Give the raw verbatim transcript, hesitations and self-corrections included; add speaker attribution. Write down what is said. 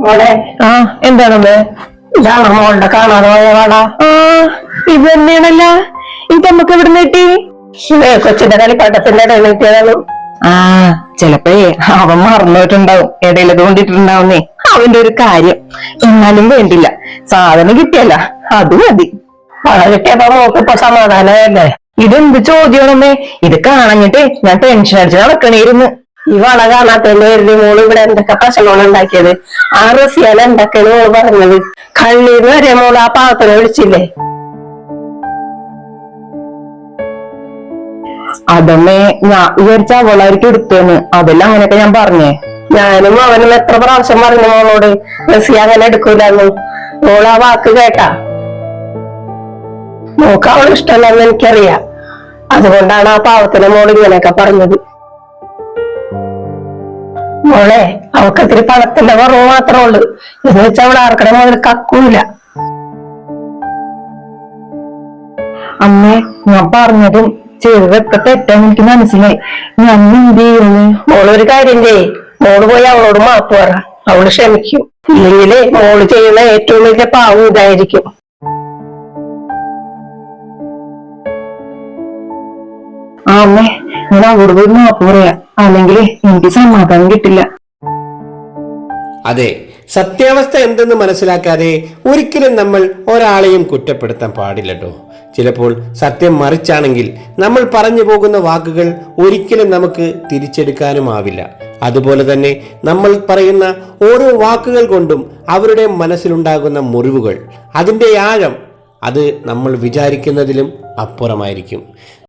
Speaker 1: മോളെ
Speaker 2: ആ എന്താണമ്മേ?
Speaker 1: ഇതാണ് മോളുടെ കാണാതെ പോയ വള.
Speaker 2: ആ ഇത് തന്നെയാണല്ല. ഇത് നമുക്ക് എവിടെ കിട്ടി?
Speaker 1: കൊച്ചിന്റെ കളിപ്പാട്ടത്തിന്റെ ഇടയിൽ കിട്ടിയതാണ്.
Speaker 2: ആ ചെലപ്പോഴേ അവൻ മറന്നിട്ടുണ്ടാവും, ഇടയിലത് കൊണ്ടിട്ടുണ്ടാവുന്നേ. അവന്റെ ഒരു കാര്യം. എന്നാലും വേണ്ടില്ല, സാധനം കിട്ടിയല്ല അത് മതി.
Speaker 1: വള കിട്ടിയപ്പോ മോക്ക് ഇപ്പൊ സമാധാനമല്ലേ?
Speaker 2: ഇതെന്ത് ചോദ്യമാണമ്മേ? ഇത് കാണഞ്ഞിട്ടേ ഞാൻ ടെൻഷൻ അടിച്ച് നടക്കണേരുന്ന്.
Speaker 1: ഈ വള കാണാത്തതിന്റെ പേരില് മോള് ഇവിടെ എന്തൊക്കെ പ്രശ്നമാണ് ഉണ്ടാക്കിയത്. ആ റസിയാല എന്തൊക്കെയാണ് മോള് പറഞ്ഞത്. കണ്ണീര് വരെ മോള് ആ പാവത്തിനെ വിളിച്ചില്ലേ?
Speaker 2: അതമ്മേ ഞാൻ വിചാരിച്ച അവളായിരിക്കും എടുത്തേന്ന്. അതെല്ലാം അങ്ങനെയൊക്കെ ഞാൻ പറഞ്ഞേ.
Speaker 1: ഞാനും അവനും എത്ര പ്രാവശ്യം പറഞ്ഞു മോളോട് റസിയ അങ്ങനെ എടുക്കൂലെന്ന്. മോള് ആ വാക്ക് കേട്ടാ? മോക്ക് അവൾ ഇഷ്ടമല്ലെന്ന് എനിക്കറിയാം. അതുകൊണ്ടാണ് ആ പാവത്തിനെ മോള് ഇങ്ങനെയൊക്കെ പറഞ്ഞത്. മോളെ അവക്ക് ഇത്തിരി പണത്തിന്റെ കുറവ് മാത്രമേ ഉള്ളൂ. എന്ന് വെച്ചാൽ അവൾ ആർക്കടെ മുതൽ കക്കൂല.
Speaker 2: അമ്മേ ഞാൻ പറഞ്ഞതും ചെയ്തതൊക്കെ തെറ്റാന്ന് എനിക്ക് മനസ്സിലായി. ഞാൻ എന്ത് ചെയ്യുന്നു?
Speaker 1: മോളൊരു കാര്യം ചെയ്യേ, മോള് പോയി അവളോട് മാപ്പ് പറ. അവള് ക്ഷമിക്കും. ഇല്ലെങ്കിലേ മോള് ചെയ്യുന്ന ഏറ്റവും വലിയ പാവം ഇതായിരിക്കും.
Speaker 2: ആ അമ്മേ ഞാൻ അവളോട് പോയി മാപ്പ് പറയാം, അല്ലെങ്കിൽ എനിക്ക് സമാധാനം കിട്ടില്ല.
Speaker 3: അതെ, സത്യാവസ്ഥ എന്തെന്ന് മനസ്സിലാക്കാതെ ഒരിക്കലും നമ്മൾ ഒരാളെയും കുറ്റപ്പെടുത്താൻ പാടില്ലട്ടോ. ചിലപ്പോൾ സത്യം മറിച്ചാണെങ്കിൽ നമ്മൾ പറഞ്ഞു പോകുന്ന വാക്കുകൾ ഒരിക്കലും നമുക്ക് തിരിച്ചെടുക്കാനുമാവില്ല. അതുപോലെ തന്നെ നമ്മൾ പറയുന്ന ഓരോ വാക്കുകൾ കൊണ്ടും അവരുടെ മനസ്സിലുണ്ടാകുന്ന മുറിവുകൾ, അതിൻ്റെ ആഴം അത് നമ്മൾ വിചാരിക്കുന്നതിലും അപ്പുറമായിരിക്കും.